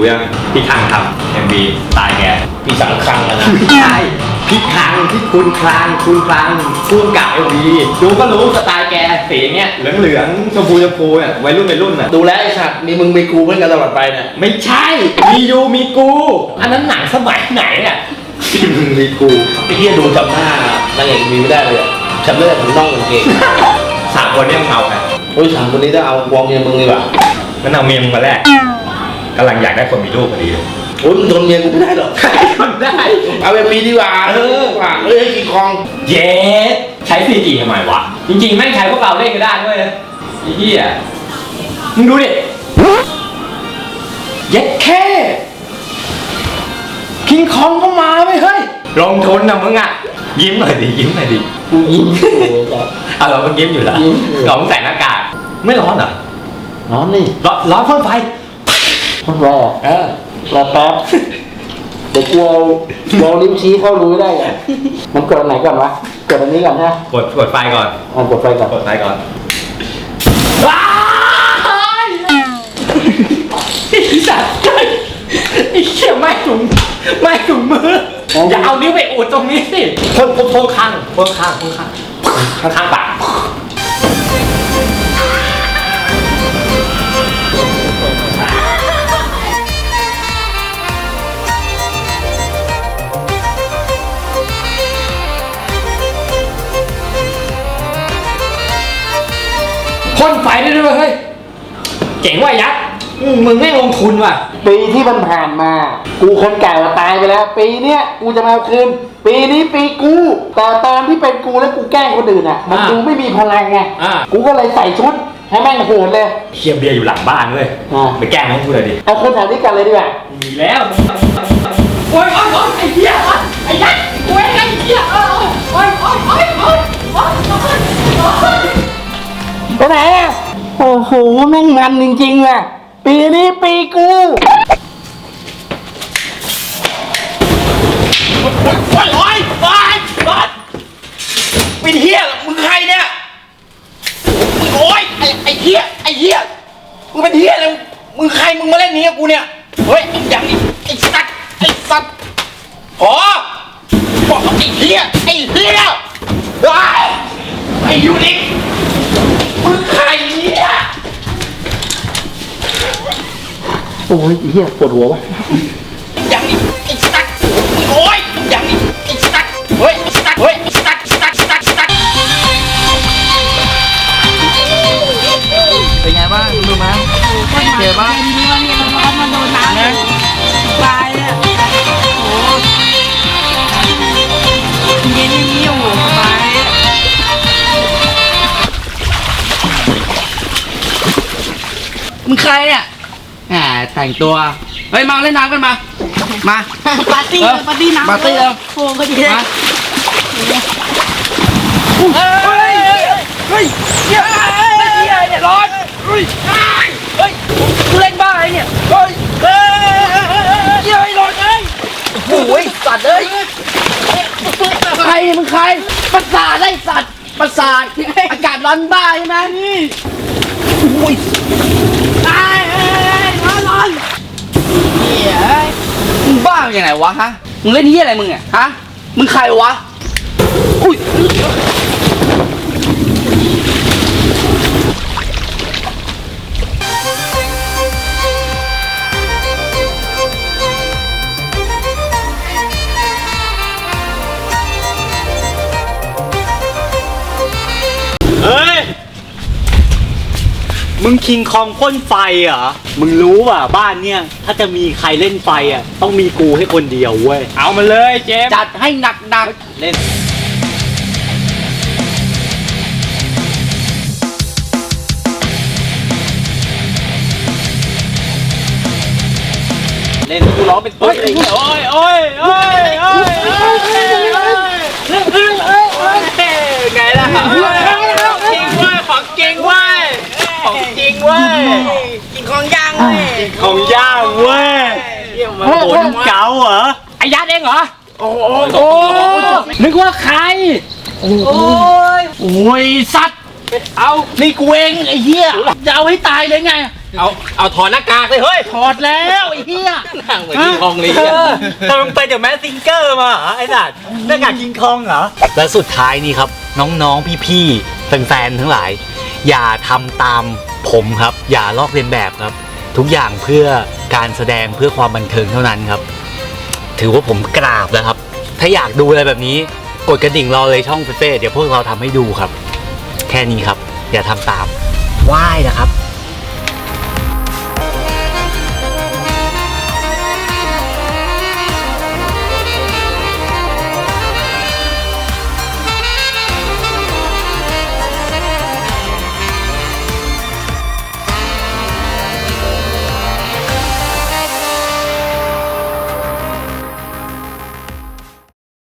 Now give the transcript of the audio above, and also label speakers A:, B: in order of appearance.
A: ยังพี่คังทำ MV ตายแก
B: พี่สังคังนะ
A: ไม่ใช่พี่คังที่คุณคลังพุ่มกับ MV ดูก็รู้สไตล์แกสีเงี้ยเหลืองชมพูเนี่ยวัยรุ่นน่ะ
B: ดูแลไอ้สัตว์มีมึงมีกูเพื่อนกันตลอดไปเนี่ย
A: ไม่ใช่มียูมีกูอันนั้นหนังสมัยไหนเนี่ยที่มึงมีกู
B: ไอ้เหี้ยดูจำหน้านางเอกมีไม่ได้เลยอะจำได้แต่ถึงน่องกางเกง
A: สามคนเนี่ยมึงเอาใคร
B: โอ้ยสามคนนี้ถ้าเอาวองเมียมึงดีกว่า
A: งั้นเอาเมียมึงมาแรกกำลังอยากได้คนมีลูกพอดีเลย
B: โอ้ยมึงทนเมียกูไม่ได้หรอก
A: คนได้
B: เอาแบบปีดีกว่าว่าเอ้ยให้กี่คอง
A: เย็ดใช้ 4G ทำไมวะจริงๆแม่งใช้พวกเราเล่นก็ได้ด้วยนะไอ้เหี้ยมึงดูดิเย็ดแค่คิงคองก็มาไม่เฮ้ยลงทุนนะมึงอ่ะยิ้มหน่อยดิ
B: กูยิ้มอยู่จ้ะ
A: เอาเราก็ยิ้มอยู่แล้ว
B: ยิ้มอยู่
A: เราต้องใส่หน้ากากไม่ร้อนเหรอ
B: ร้อนนี่
A: ร้อนพ่นไฟ
B: คนรอรอแป๊บเดี๋ยวกูเอานิ้วชี้เข้ารูได้ไงมันกดอันไหนก่อนวะกดอันนี้ก่อนใช่ไหม
A: กดไฟก่อน
B: กดไฟก่อน
A: กดไฟก่อนว้ายไอ้สัตว์ไอ้เหี้ยไม่ถุงมืออย่าเอานิ้วไปอุดตรงนี้สิพ่นข้างปากพ่นไฟได้ด้วยเฮ้ยเจ๋งว่ะยักษ์มึงไม่ลงทุนว่ะ
B: ปีที่มันผ่านมา กูคนเก่าตายไปแล้ว ปีเนี้ยกูจะมาเอาคืนปีนี้ปีกูแต่ตอนที่เป็นกูแล้วกูแกล้งคนอื่นอ่ะมันดูไม่มีพลังไงกูก็เลยใส่ชุดให้แม่งโหดเลย
A: เคียเบียร์อยู่หลังบ้านเลยไปแกล้งให้กูเลยดิ
B: เอาคนแถวนี้กันเลยดีกว่า
A: มีแล้วโอ้ยไอ้เหี้ยไอ้ยักษ์โอ้ยไอ้เหี้ยโอ้ย
B: ไปไหนอ่ะโอ้โหแม่งมันจริงๆว่ะปีนี้ปีกูโอ้ยเป็นเหี้ยมึงใครเนี่ยโอ้ยไอ้เหี้ยมึงเป็นเหี้ยเลยมึงใครมึงมาเล่นนี้กับกูเนี่ยเฮ้ยอย่างนี้ไอ้สัตว์พอบอกไอ้เหี้ยไอ้ยูนิคมึงใครเนี่ยโอ้ยเหี้ยปวดหัววะอย่างนี้ไอ้สัตว์โอ้ยอย่างนี้ไอ้สัตว์เฮ้ยสัตว์
C: เป็นไงบ้างดูมั้ยเจ็บบ้าง
D: นี่ว่าเนี่ยมันร้อนมันโดนน้ำตายเนี่ยโอ้เย็นอย่างนี้โอ้โหสบาย
C: มึงใครเนี่ยแหมแต่งตัวเฮ้ยมาเล่นน้ำกันมา
D: ปาร์ตี้น้ำ
C: ปาร์ตี้แล้ว
D: โอ้ก็ดีเลย
C: เนี่ยร้อนกูเล่นบ้าอะไรเนี่ยร้อนเลยโอ้ยสัตว์เลยใครมึงใครประสาทไอ้สัตว์ประสาทอากาศร้อนบ้าใช่ไหมนี่โอ้ยร้อนมึงบ้าอย่างไรวะฮะมึงเล่นเหี้ยอะไรมึงอ่ะฮะมึงใครวะอุ้ย
A: เฮ้ยมึงคิงคองพ่นไฟเหรอมึงรู้ป่ะบ้านเนี่ยถ้าจะมีใครเล่นไฟอ่ะต้องมีกูให้คนเดียวเว้ยเอามาเลยเจม
C: จัดให้หนัก
A: เล่นกูร้องเป็นตัวเลยโอ้ยไงล่ะจริงเว้ยของจริงเว้ย
D: กินของย่างเลย
A: ของย่างเว้ยโอ้โหเก๋าเหรอไอ้ยัดเองเหรอโอ้นึกว่าใครโอ้ยสัตว์เอานี่กูเองไอ้เหี้ยจะเอาให้ตายเลยไง
B: เอาถอดหน้ากากเลยเฮ้ย
C: ถอดแล้วไอ้เหี้ย
B: นั่งเหมือนกินคองเลย
E: ทำไมมึงไปเดี๋ยวแมสซิงเกอร์มาเหรอไอ้สัตว์หน้ากากกิงคองเหรอ และสุดท้ายนี่ครับ น้องๆพี่ๆแฟนๆทั้งหลาย อย่าทำตามผมครับ อย่าลอกเลียนแบบครับ ทุกอย่างเพื่อการแสดงเพื่อความบันเทิงเท่านั้นครับ ถือว่าผมกราบแล้วครับ ถ้าอยากดูอะไรแบบนี้กดกระดิ่งรอเลยช่องเฟ่ๆเดี๋ยวพวกเราทำให้ดูครับ แค่นี้ครับ อย่าทำตามไหว้นะครับ